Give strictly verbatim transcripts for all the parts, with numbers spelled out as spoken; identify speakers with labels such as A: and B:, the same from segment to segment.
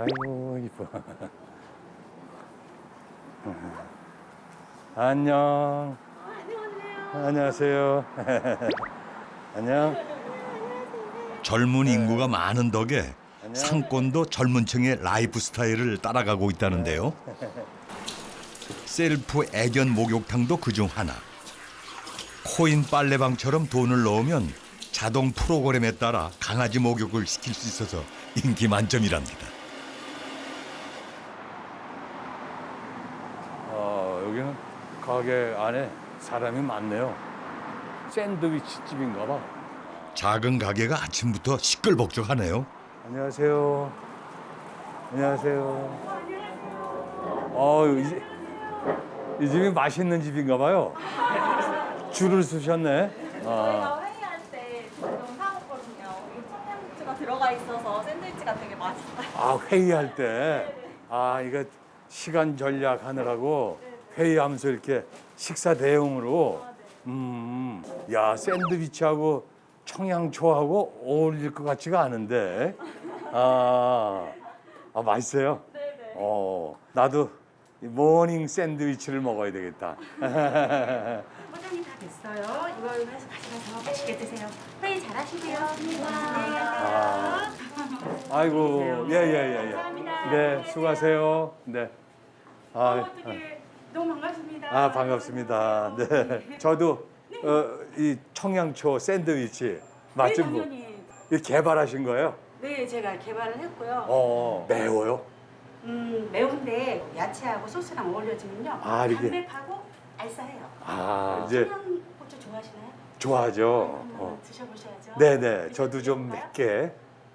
A: 아이고 이뻐. 안녕. 안녕하세요. 안녕.
B: 젊은 인구가 많은 덕에 상권도 젊은 층의 라이프 스타일을 따라가고 있다는데요. 셀프 애견 목욕탕도 그중 하나. 코인 빨래방처럼 돈을 넣으면 자동 프로그램에 따라 강아지 목욕을 시킬 수 있어서 인기 만점이랍니다.
A: 어, 여기는 가게 안에 사람이 많네요. 샌드위치 집인가 봐.
B: 작은 가게가 아침부터 시끌벅적하네요.
A: 안녕하세요. 안녕하세요. 어, 이, 집- 이 집이 맛있는 집인가 봐요. 줄을 서셨네. 아,
C: 저희가 회의할 때 좀 사먹거든요. 이 청양고추가 들어가 있어서 샌드위치가 되게 맛있어요.
A: 아 회의할 때. 아, 이거 시간 전략하느라고 회의하면서 이렇게 식사 대용으로. 음, 야, 샌드위치하고 청양초하고 어울릴 것 같지가 않은데. 아, 아 맛있어요?
C: 네네.
A: 어, 나도 이 모닝 샌드위치를 먹어야 되겠다.
D: 포장이 다 됐어요. 이걸 해서 가져가서 맛있게 드세요. 회의 잘하시고요.
A: 아, 아이고, 예, 예, 예, 예.
D: 감사합니다.
A: 네, 수고하세요. 네. 아,
D: 어떻게 너무 반갑습니다.
A: 아, 반갑습니다. 네. 저도 어, 이 청양초 샌드위치 맛 좀
D: 네,
A: 보.
D: 당연히.
A: 이 개발하신 거예요?
D: 네, 제가 개발을 했고요.
A: 어, 매워요?
D: 음, 매운데 야채하고 소스랑 어울려지면요.
A: 아, 이게-
D: 담백하고 알싸해요.
A: 아, 이제
D: 청양고추 좋아하시나요?
A: 좋아하죠.
D: 한번
A: 어.
D: 드셔보셔야죠.
A: 네네, 저도 좀 맵게.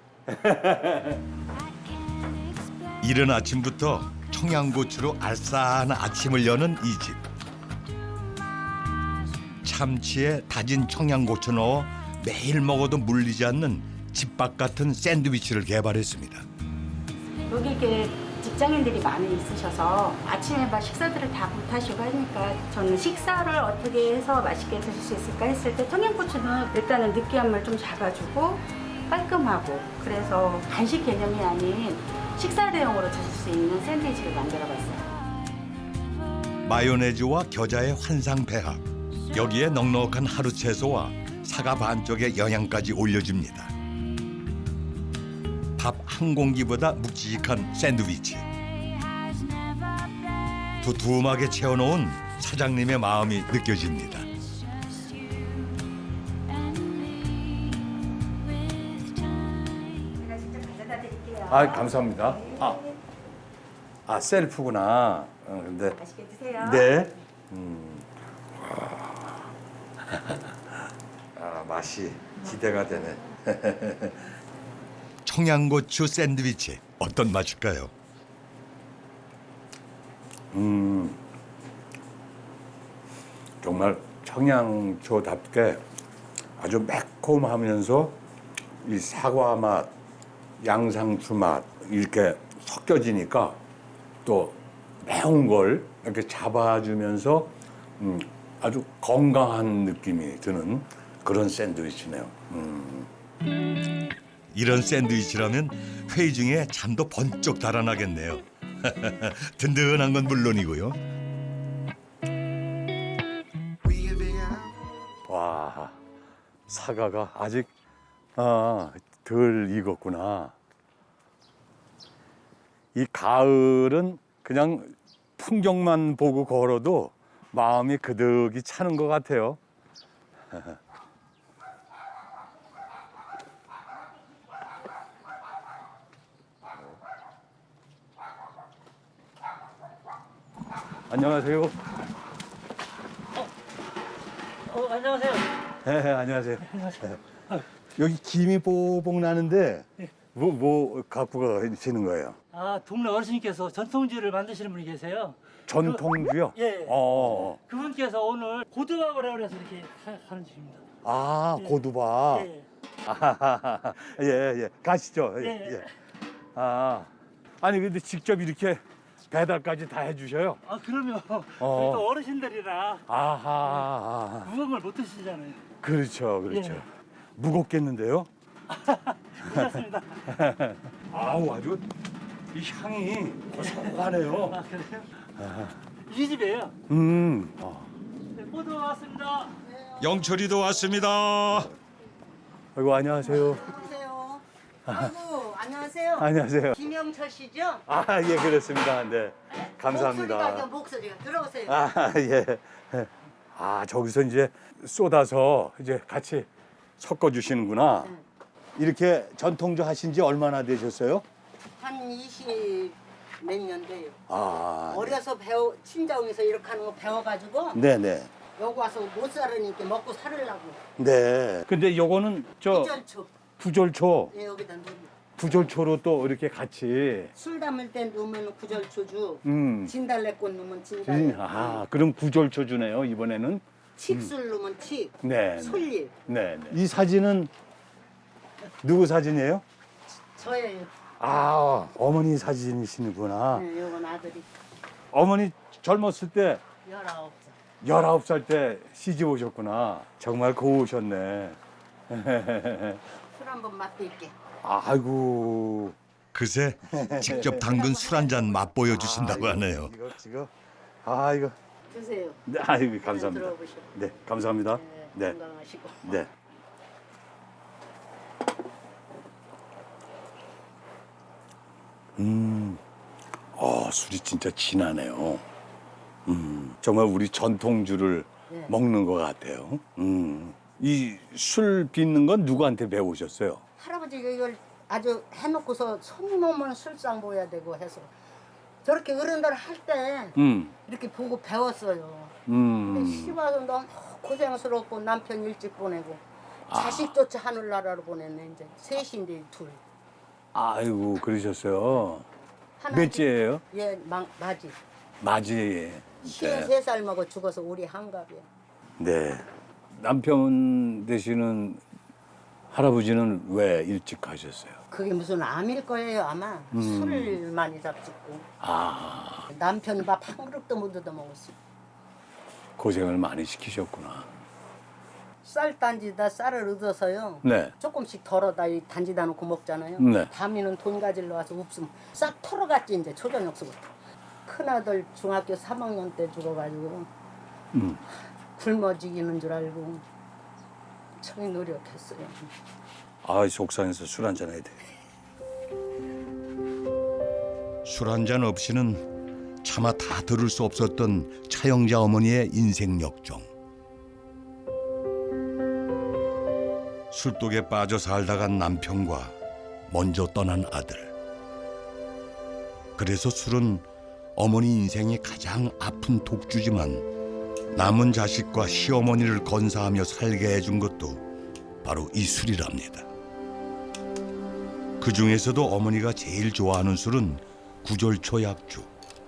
B: 이른 아침부터 청양고추로 알싸한 아침을 여는 이 집. 참치에 다진 청양고추 넣어 매일 먹어도 물리지 않는 집밥 같은 샌드위치를 개발했습니다.
D: 여기 이게 직장인들이 많이 있으셔서 아침에 막 식사들을 다 못하시고 하니까 저는 식사를 어떻게 해서 맛있게 드실 수 있을까 했을 때 청양고추는 일단은 느끼함을 좀 잡아주고 깔끔하고 그래서 간식 개념이 아닌 식사 대용으로 드실 수 있는 샌드위치를 만들어봤어요.
B: 마요네즈와 겨자의 환상 배합. 여기에 넉넉한 하루 채소와 사과 반쪽의 영양까지 올려줍니다. 밥 한 공기보다 묵직한 샌드위치. 두툼하게 채워놓은 사장님의 마음이 느껴집니다.
D: 제가 직접 가져다 드릴게요.
A: 아, 감사합니다. 아, 아 셀프구나. 어, 근데
D: 맛있게 드세요.
A: 네. 음. 아, 맛이 기대가 되네.
B: 청양고추 샌드위치 어떤 맛일까요?
A: 음, 정말 청양초답게 아주 매콤하면서 이 사과 맛, 양상추 맛 이렇게 섞여지니까 또 매운 걸 이렇게 잡아주면서 음, 아주 건강한 느낌이 드는 그런 샌드위치네요. 음.
B: 이런 샌드위치라면 회의 중에 잠도 번쩍 달아나겠네요. 든든한 건 물론이고요.
A: 와, 사과가 아직 아, 덜 익었구나. 이 가을은 그냥 풍경만 보고 걸어도 마음이 그득이 차는 것 같아요. 안녕하세요.
E: 어, 안녕하세요.
A: 네, 안녕하세요. 네. 여기 김이 뽀복 나는데 뭐, 뭐 갖고 가시는 거예요?
E: 아, 동네 어르신께서 전통주를 만드시는 분이 계세요.
A: 전통주요?
E: 그, 예.
A: 어.
E: 그분께서 오늘 고등학을 해서 이렇게 하- 하는 중입니다.
A: 아,
E: 예.
A: 고두밥.
E: 예.
A: 아하하하. 예, 예. 가시죠. 예,
E: 예.
A: 예. 아. 아니, 근데 직접 이렇게 배달까지 다 해주셔요?
E: 아, 그러면
A: 어.
E: 저희 또 어르신들이라
A: 아하.
E: 무거운 걸 못 드시잖아요.
A: 그렇죠, 그렇죠.
E: 예.
A: 무겁겠는데요?
E: 괜찮습니다.
A: 아우, 아주 이 향이 고소하네요.
E: 아 그래요? 이 집이에요.
A: 음. 어.
E: 네, 포도 왔습니다.
B: 영철이도 왔습니다.
A: 아이고 안녕하세요.
F: 안녕하세요. 아이고, 안녕하세요.
A: 안녕하세요.
F: 김영철 씨죠?
A: 아, 예, 그렇습니다. 네.
F: 목소리가
A: 감사합니다.
F: 그 목소리가 들어오세요.
A: 아, 예. 아, 저기서 이제 쏟아서 이제 같이 섞어 주시는구나. 이렇게 전통주 하신 지 얼마나 되셨어요?
F: 한 이십 몇 년 돼요.
A: 아.
F: 어려서 배워 친정에서 이렇게 하는 거 배워가지고
A: 네, 네.
F: 여기 와서 못 살으니까 먹고 살으려고.
A: 네. 근데 요거는 저
F: 구절초.
A: 구절초,
F: 예, 여기다 넣으면
A: 구절초로 또 이렇게 같이
F: 술 담을 때 넣으면 구절초주.
A: 음.
F: 진달래꽃 넣으면
A: 음,
F: 진달래.
A: 아, 그럼 구절초 주네요, 이번에는.
F: 칡술 넣으면 칡.
A: 네. 네.
F: 솔잎.
A: 네, 네. 이 사진은 누구 사진이에요?
F: 저예요.
A: 아, 어머니 사진이시구나.
F: 네, 요건 아들이
A: 어머니 젊었을 때
F: 열아홉 살.
A: 열아홉 살 때 시집 오셨구나. 정말 고우셨네.
F: 술 한번 맛볼게.
A: 아이고.
B: 그새 직접 담근 술 한 잔 맛보여 주신다고
A: 아,
B: 하네요.
A: 이거, 이거. 아, 이거.
F: 드세요.
A: 네, 아이고, 감사합니다.
F: 들어보시고.
A: 네, 감사합니다.
F: 네,
A: 네.
F: 건강하시고.
A: 네. 음, 어, 술이 진짜 진하네요. 음, 정말 우리 전통주를
F: 네.
A: 먹는 것 같아요. 음, 이 술 빚는 건 누구한테 배우셨어요?
F: 할아버지가 이걸 아주 해놓고서 손님 오면 술상 보여야 되고 해서 저렇게 어른들 할 때
A: 음,
F: 이렇게 보고 배웠어요. 근데
A: 음,
F: 시집 와서 너무 고생스럽고 남편 일찍 보내고
A: 아.
F: 자식조차 하늘나라로 보냈네. 이제 셋인데 둘.
A: 아이고, 그러셨어요.
F: 하나
A: 몇째예요?
F: 예, 마, 맞이.
A: 맞이. 네.
F: 쉰세 살 먹어 죽어서 우리 한갑이야.
A: 네. 남편 되시는 할아버지는 왜 일찍 가셨어요?
F: 그게 무슨 암일 거예요 아마.
A: 음.
F: 술을 많이 잡수고
A: 아,
F: 남편 밥 한 그릇도 못 얻어 먹었어.
A: 고생을 많이 시키셨구나.
F: 쌀 단지다 쌀을 얻어서요.
A: 네.
F: 조금씩 덜어다 이 단지다 놓고 먹잖아요.
A: 네.
F: 다미는 돈 가지러 와서 없으면 싹 털어갔지 이제 초저녁서부터. 큰아들 중학교 삼 학년 때 죽어가지고
A: 음.
F: 굶어 죽이는 줄 알고 청이 노력했어요.
A: 아, 속상해서 술 한잔 해야 돼.
B: 술 한 잔 없이는 차마 다 들을 수 없었던 차영자 어머니의 인생 역정. 술독에 빠져 살다간 남편과 먼저 떠난 아들. 그래서 술은 어머니 인생이 가장 아픈 독주지만 남은 자식과 시어머니를 건사하며 살게 해준 것도 바로 이 술이랍니다. 그 중에서도 어머니가 제일 좋아하는 술은 구절초 약주.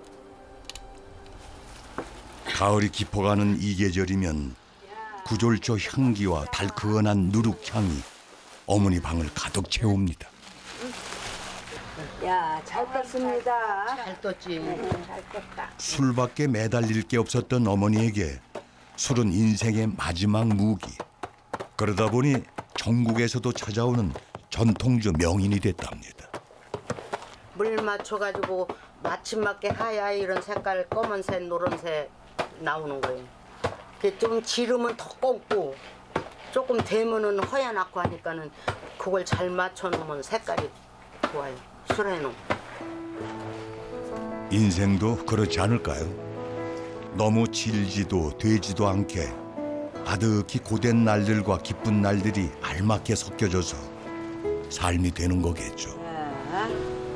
B: 가을이 깊어가는 이 계절이면 구절초 향기와 달큰한 누룩향이 어머니 방을 가득 채웁니다.
D: 야, 잘 떴습니다.
F: 잘 떴지.
D: 잘 떴다.
B: 술밖에 매달릴 게 없었던 어머니에게 술은 인생의 마지막 무기. 그러다 보니 전국에서도 찾아오는 전통주 명인이 됐답니다.
F: 물 맞춰가지고 마침 맞게 하얗 이런 색깔 검은색 노란색 나오는 거예요. 그게 좀 지르면 더 검고 조금 되면은 허연하고 하니까는 그걸 잘 맞춰놓으면 색깔이 좋아요. 술에는.
B: 인생도 그렇지 않을까요? 너무 질지도 되지도 않게 아득히 고된 날들과 기쁜 날들이 알맞게 섞여져서 삶이 되는 거겠죠.
D: 자,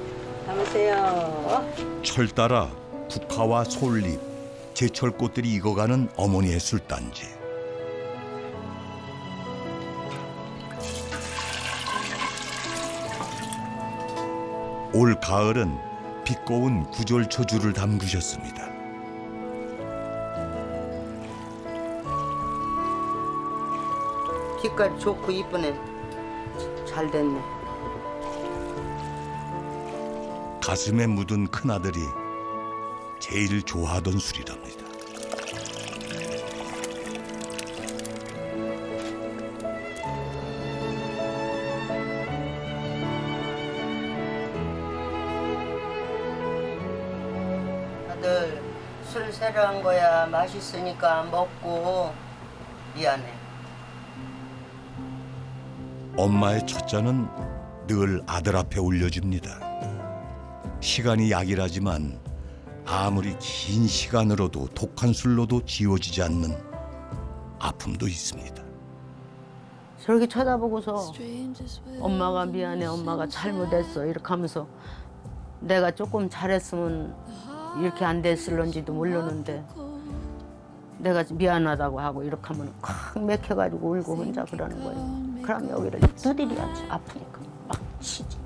D: 담으세요.
B: 철 따라 국화와 솔잎, 제철꽃들이 익어가는 어머니의 술단지. 올 가을은 빛고운 구절초주를 담그셨습니다.
F: 빛깔 좋고 이쁘네. 잘 됐네.
B: 가슴에 묻은 큰아들이 제일 좋아하던 술이랍니다.
F: 아들 술 새려한 거야. 맛있으니까 먹고. 미안해.
B: 엄마의 첫잔은 늘 아들 앞에 올려집니다. 시간이 약이라지만 아무리 긴 시간으로도 독한 술로도 지워지지 않는 아픔도 있습니다.
F: 저렇게 쳐다보고서 엄마가 미안해, 엄마가 잘못했어 이렇게 하면서 내가 조금 잘했으면 이렇게 안 됐을런지도 모르는데 내가 미안하다고 하고 이렇게 하면 콱 맥혀가지고 울고 혼자 그러는 거예요. 그럼 여기를 두드려야지. 아프니까 막 치지.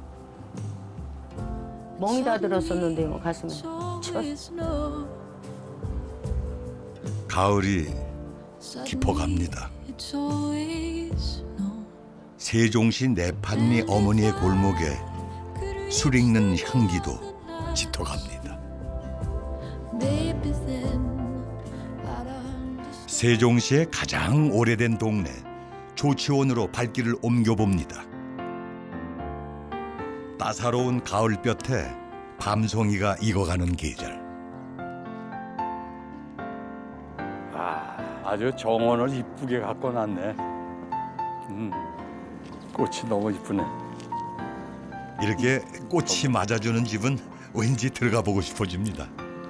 F: 멍이 다 들었었는데 뭐 가슴에 치웠어.
B: 가을이 깊어갑니다. 세종시 내판리 어머니의 골목에 술 익는 향기도 짙어갑니다. 세종시의 가장 오래된 동네 조치원으로 발길을 옮겨봅니다. 따사로운 가을볕에 밤송이가 익어가는 계절.
A: 아, 아주 정원을 이쁘게 갖고 놨네. 음, 꽃이 너무 이쁘네.
B: 이렇게 꽃이 맞아주는 집은 왠지 들어가 보고 싶어집니다.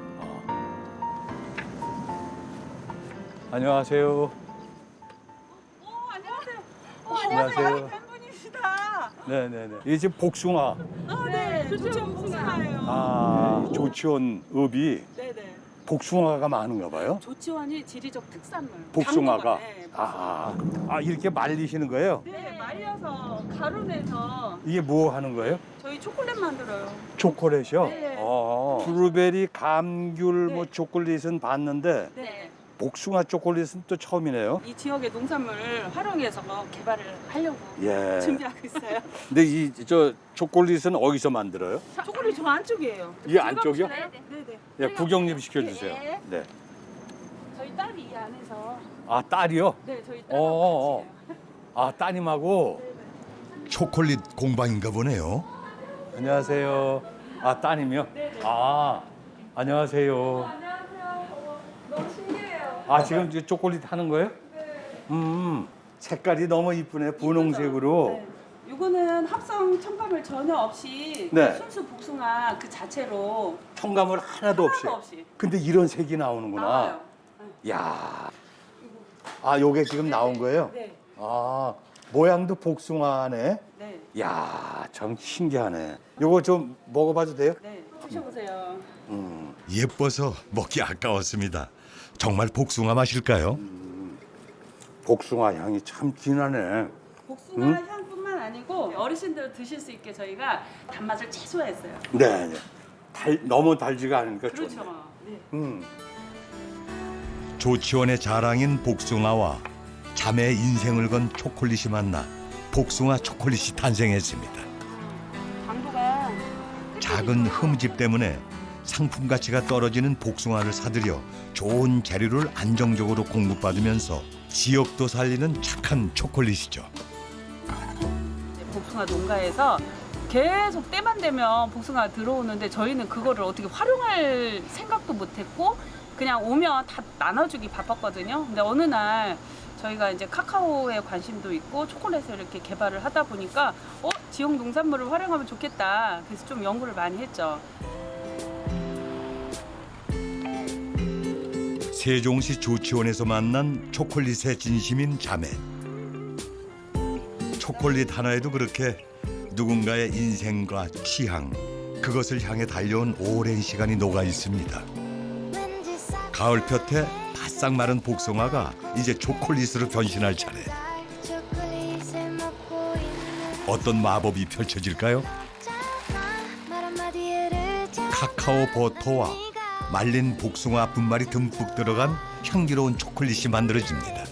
A: 안녕하세요.
C: 어, 안녕하세요. 어,
A: 안녕하세요.
C: 안녕하세요. 팬분이시다.
A: 네네네. 이게 지금 복숭아.
C: 아, 네. 조치원 복숭아예요.
A: 아, 조치원 읍이
C: 네네.
A: 복숭아가 많은가 봐요.
C: 조치원이 지리적 특산물.
A: 복숭아가.
C: 당도가, 네,
A: 아, 아, 이렇게 말리시는 거예요?
C: 네, 말려서 가루 내서
A: 이게 뭐 하는 거예요?
C: 저희 초콜릿 만들어요.
A: 초콜릿이요?
C: 네.
A: 어, 블루베리, 감귤,
C: 네.
A: 뭐 초콜릿은 봤는데
C: 네.
A: 복숭아 초콜릿은 또 처음이네요.
C: 이 지역의 농산물을 활용해서 개발을 하려고
A: 예.
C: 준비하고 있어요.
A: 근데 이 저 초콜릿은 어디서 만들어요?
C: 초콜릿 저 안쪽이에요.
A: 이 안쪽이요?
C: 네네. 네네.
A: 예, 구경 좀 시켜주세요.
C: 네.
A: 네.
C: 저희 딸이 이 안에서
A: 아, 딸이요?
C: 네 저희
A: 어, 어,
C: 딸하고 같이 해요.
A: 아, 따님하고.
B: 초콜릿 공방인가 보네요.
A: 안녕하세요. 아, 따님이요?
C: 네네.
A: 아, 안녕하세요.
C: 안녕하세요. 어, 너무 신기해요.
A: 아, 지금 이제 초콜릿 하는 거예요?
C: 네.
A: 음, 색깔이 너무 이쁘네. 분홍색으로.
C: 네. 이거는 합성 첨가물 전혀 없이
A: 네.
C: 순수 복숭아 그 자체로
A: 첨가물 하나도 없이.
C: 하나도 없이
A: 근데 이런 색이 나오는구나.
C: 나와요.
A: 야. 아, 요게 지금 나온 거예요?
C: 네.
A: 아, 모양도 복숭아네.
C: 네.
A: 야, 참 신기하네. 요거 좀 먹어봐도 돼요?
C: 네. 드셔보세요.
A: 음,
B: 예뻐서 먹기 아까웠습니다. 정말 복숭아 맛일까요?
A: 복숭아 향이 참 진하네.
C: 복숭아
A: 음?
C: 향뿐만 아니고 어르신들 드실 수 있게 저희가 단맛을 최소화했어요.
A: 네, 네. 달, 너무 달지가 않으니까
C: 그렇죠.
A: 좋네.
C: 네.
A: 음,
B: 조치원의 자랑인 복숭아와 자매의 인생을 건 초콜릿이 만나 복숭아 초콜릿이 탄생했습니다.
C: 당도가
B: 작은 흠집 때문에 상품 가치가 떨어지는 복숭아를 사들여 좋은 재료를 안정적으로 공급받으면서 지역도 살리는 착한 초콜릿이죠.
C: 복숭아 농가에서 계속 때만 되면 복숭아 들어오는데 저희는 그거를 어떻게 활용할 생각도 못했고 그냥 오면 다 나눠주기 바빴거든요. 근데 어느 날 저희가 이제 카카오에 관심도 있고 초콜릿을 이렇게 개발을 하다 보니까 어 지역 농산물을 활용하면 좋겠다. 그래서 좀 연구를 많이 했죠.
B: 세종시 조치원에서 만난 초콜릿의 진심인 자매. 초콜릿 하나에도 그렇게 누군가의 인생과 취향, 그것을 향해 달려온 오랜 시간이 녹아 있습니다. 가을볕에 바싹 마른 복숭아가 이제 초콜릿으로 변신할 차례. 어떤 마법이 펼쳐질까요? 카카오 버터와 말린 복숭아 분말이 듬뿍 들어간 향기로운 초콜릿이 만들어집니다.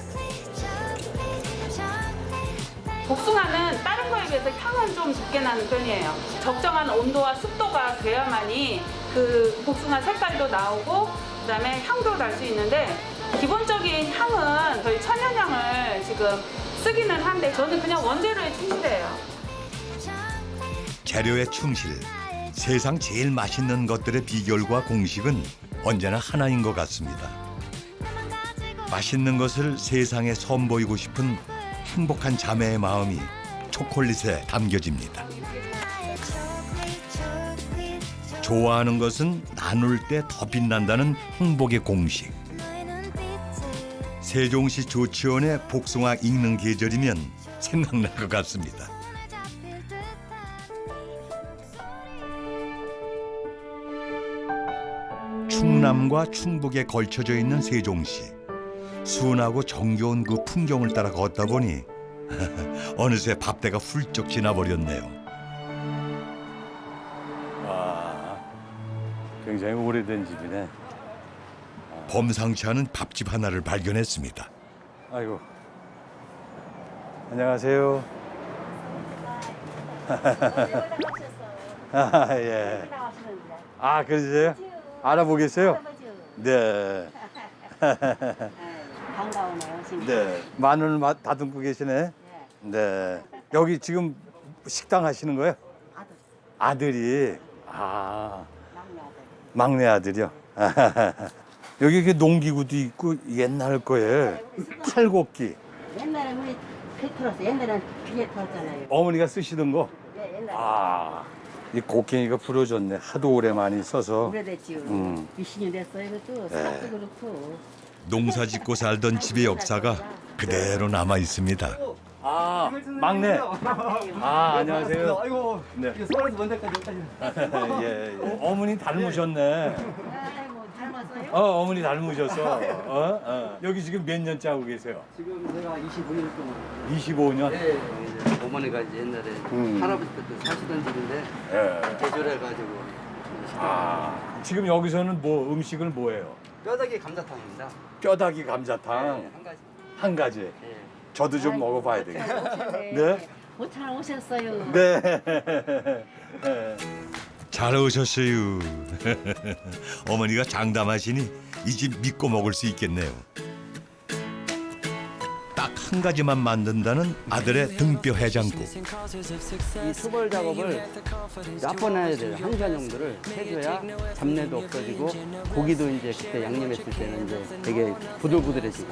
C: 복숭아는 다른 거에 비해서 향은 좀 적게 나는 편이에요. 적정한 온도와 습도가 돼야만이 그 복숭아 색깔도 나오고 그다음에 향도 날 수 있는데 기본적인 향은 저희 천연향을 지금 쓰기는 한데 저는 그냥 원재료에 충실해요.
B: 재료에 충실, 세상 제일 맛있는 것들의 비결과 공식은 언제나 하나인 것 같습니다. 맛있는 것을 세상에 선보이고 싶은 행복한 자매의 마음이 초콜릿에 담겨집니다. 좋아하는 것은 나눌 때 더 빛난다는 행복의 공식. 세종시 조치원의 복숭아 익는 계절이면 생각날 것 같습니다. 충남과 충북에 걸쳐져 있는 세종시. 순하고 정겨운 그 풍경을 따라 걷다 보니 어느새 밥때가 훌쩍 지나버렸네요.
A: 와, 굉장히 오래된 집이네.
B: 범상치 않은 밥집 하나를 발견했습니다.
A: 아이고. 안녕하세요. 아, 예. 아, 그러세요? 알아보겠어요? 네.
D: 반가우네요, 진짜.
A: 네. 마늘 맛 다듬고 계시네. 네. 여기 지금 식당 하시는 거예요?
D: 아들,
A: 아들이. 아,
D: 막내 아들.
A: 막내 아들이요. 여기 이렇게 농기구도 있고 옛날 거에 팔곡기.
D: 옛날에 우리 배 틀었어. 옛날에는 비에 틀었잖아요.
A: 어머니가 쓰시던 거.
D: 네, 옛날에.
A: 아, 이 곡괭이가 부러졌네. 하도 오래 많이 써서.
D: 오래됐지요.
A: 음.
D: 미신이 됐어, 이것도. 싹도 그렇고.
B: 농사 짓고 살던 집의 역사가 그대로 남아 있습니다.
A: 아, 막내. 아, 안녕하세요.
G: 아이고,
A: 네.
G: 이게 서울에서 먼 데까지 오다니.
A: 예, 예. 어머니 닮으셨네.
D: 아이고, 닮았어요?
A: 어, 어머니 닮으셨어. 어? 어. 여기 지금 몇 년째 하고 계세요?
G: 지금 제가 이십오 년 동안.
A: 이십오 년?
G: 예, 이제 어머니가 이제 옛날에
A: 음.
G: 할아버지 때도 사시던 집인데
A: 예.
G: 계절해가지고
A: 아, 지금 여기서는 뭐 음식을 뭐 해요?
G: 뼈다귀 감자탕입니다.
A: 뼈다귀
G: 예,
A: 감자탕
G: 한 가지.
A: 한 가지.
G: 예.
A: 저도 좀 먹어봐야 되겠다. 네?
D: 못잘 오셨어요.
A: 네. 네.
B: 잘 오셨어요. 어머니가 장담하시니 이 집 믿고 먹을 수 있겠네요. 딱 한 가지만 만든다는 아들의 등뼈 해장국.
G: 이 수벌 작업을 몇 번 해야 돼요. 한 시간 정도를 해줘야 잡내도 없어지고 고기도 이제 그때 양념했을 때는 이제 되게 부들부들해지고.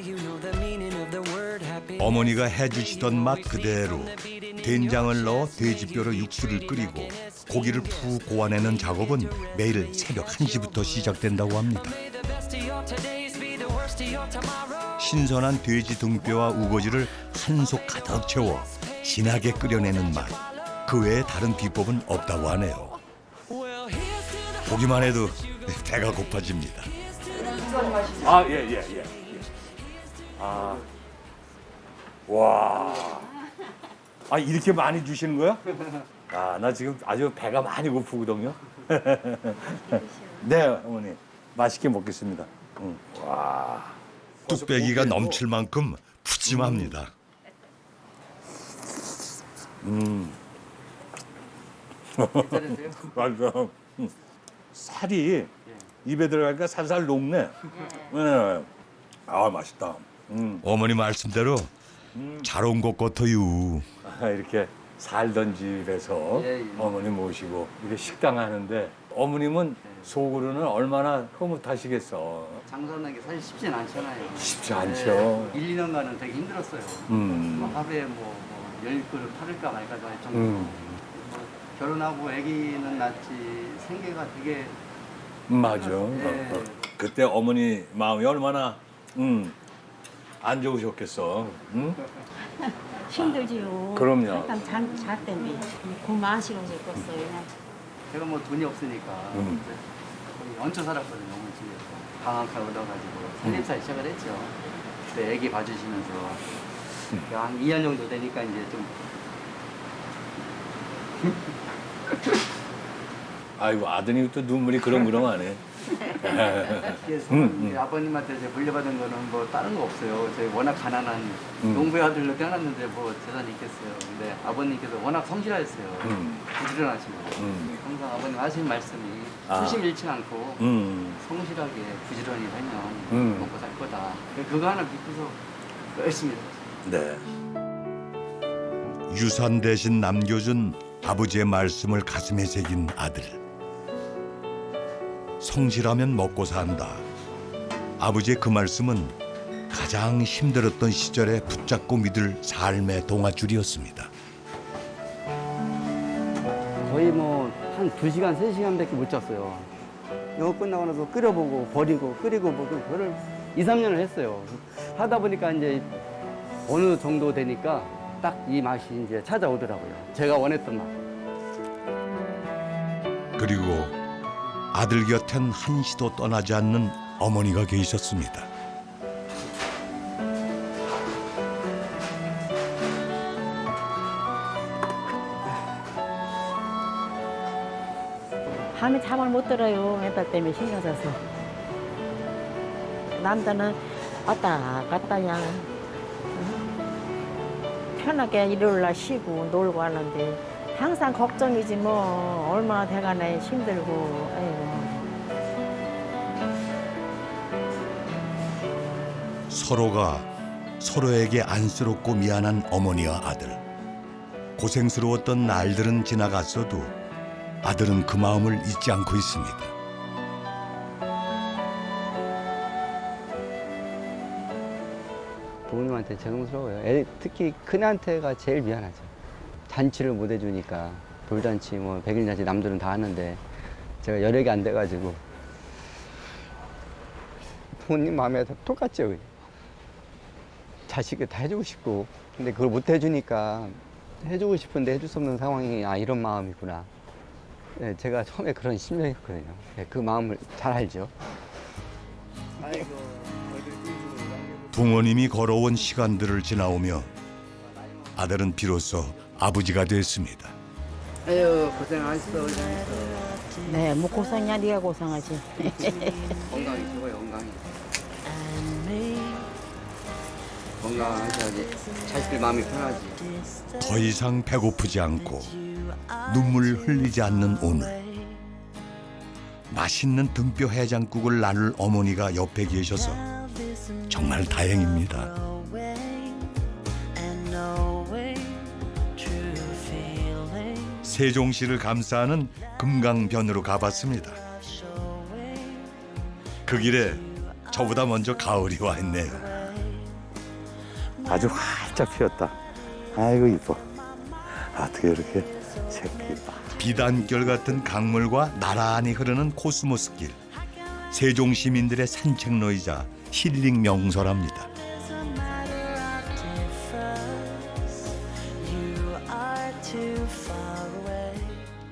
B: 어머니가 해주시던 맛 그대로 된장을 넣어 돼지뼈로 육수를 끓이고 고기를 푹 고아내는 작업은 매일 새벽 한 시부터 시작된다고 합니다. 신선한 돼지 등뼈와 우거지를 한 속 가득 채워 진하게 끓여내는 맛. 그 외에 다른 비법은 없다고 하네요. 보기만 해도 배가 고파집니다.
A: 아, 예, 예, 예. 아. 와. 아, 이렇게 많이 주시는 거야? 아, 나 지금 아주 배가 많이 고프거든요. 네, 어머니. 맛있게 먹겠습니다. 응. 와.
B: 뚝배기가 넘칠 만큼 푸짐합니다.
A: 음.
G: 괜찮으세요?
A: 맞아. 음. 살이 입에 들어가니까 살살 녹네. 네. 아, 맛있다. 음.
B: 어머니 말씀대로 잘 온 것 같아요.
A: 아, 이렇게 살던 집에서
G: 예, 예.
A: 어머니 모시고 이렇게 식당 하는데 어머님은 속으로는 얼마나 흐뭇하시겠어.
G: 장사하는 게 사실 쉽진 않잖아요.
A: 쉽지 않죠.
G: 일, 이 년간은 되게 힘들었어요.
A: 음.
G: 뭐 하루에 뭐, 뭐 열 그릇 팔을까 말까 할 정도.
A: 음.
G: 뭐 결혼하고 아기는 낳지 생계가 되게
A: 음, 맞아.
G: 네.
A: 어, 어. 그때 어머니 마음이 얼마나 음, 안 좋으셨겠어. 음?
D: 힘들지요.
A: 그럼요.
D: 일단 잘, 잘 때문에. 고마하시고 싶었어요.
G: 제가 뭐 돈이 없으니까
A: 음.
G: 이제 거의 얹혀 살았거든요. 어머니 집에서 방학할 얻어가지고 살림살 시작을 했죠. 그때 아기 봐주시면서 한 이 년 정도 되니까 이제 좀
A: 아이고, 아드님 또 눈물이 그렁그렁하네.
G: 그래서
A: 음,
G: 이제 아버님한테 이제 물려받은 거는 뭐 다른 거 없어요. 저희 워낙 가난한
A: 음.
G: 농부의 아들로 태어났는데 뭐 재산이 있겠어요. 근데 아버님께서 워낙 성실하셨어요.
A: 음.
G: 부지런하시고
A: 음.
G: 항상 아버님 하신 말씀이
A: 아.
G: 초심 잃지 않고
A: 음.
G: 성실하게 부지런히 하면
A: 음.
G: 먹고 살 거다. 그거 하나 믿고서 열심히 했어요.
A: 네.
B: 유산 대신 남겨준 아버지의 말씀을 가슴에 새긴 아들. 성실하면 먹고 산다. 아버지의 그 말씀은 가장 힘들었던 시절에 붙잡고 믿을 삶의 동아줄이었습니다.
G: 거의 뭐 한 두 시간, 세 시간밖에 못 잤어요. 영어 끝나고 나서 끓여보고 버리고 끓이고 보고 그거를 이, 삼 년을 했어요. 하다 보니까 이제 어느 정도 되니까 딱 이 맛이 이제 찾아오더라고요. 제가 원했던 맛.
B: 그리고 아들 곁엔 한시도 떠나지 않는 어머니가 계셨습니다.
H: 밤에 잠을 못 들어요. 애들 때문에 신경 써서. 남자는 왔다 갔다 그냥 편하게 일요일 날 쉬고 놀고 하는데 항상 걱정이지 뭐. 얼마나 돼가네 힘들고. 아이고.
B: 서로가 서로에게 안쓰럽고 미안한 어머니와 아들. 고생스러웠던 날들은 지나갔어도 아들은 그 마음을 잊지 않고 있습니다.
G: 부모님한테 죄송스러워요. 애, 특히 큰애한테가 제일 미안하죠. 잔치를 못 해주니까 돌잔치, 뭐 백일잔치 남들은 다 하는데 제가 여력이 안 돼가지고 부모님 마음에 다 똑같죠. 그냥. 자식이 다 해주고 싶고 근데 그걸 못 해주니까 해주고 싶은데 해줄 수 없는 상황이 아 이런 마음이구나. 네, 제가 처음에 그런 심정이었거든요. 네, 그 마음을 잘 알죠.
B: 부모님이 걸어온 시간들을 지나오며 아들은 비로소 아버지가 됐습니다.
G: 에휴 고생하셨어.
H: 네, 뭐 고생이야. 네가 고생하지.
G: 건강히 최고예요. 건강히. 건강하셔야지 자식들 마음이 편하지.
B: 더 이상 배고프지 않고 눈물 흘리지 않는 오늘. 맛있는 등뼈 해장국을 나눌 어머니가 옆에 계셔서 정말 다행입니다. 세종시를 감싸는 금강변으로 가봤습니다. 그 길에 저보다 먼저 가을이 와 있네요.
A: 아주 활짝 피었다. 아이고 이뻐. 어떻게 이렇게 새끼.
B: 비단결 같은 강물과 나란히 흐르는 코스모스 길. 세종 시민들의 산책로이자 힐링 명소랍니다.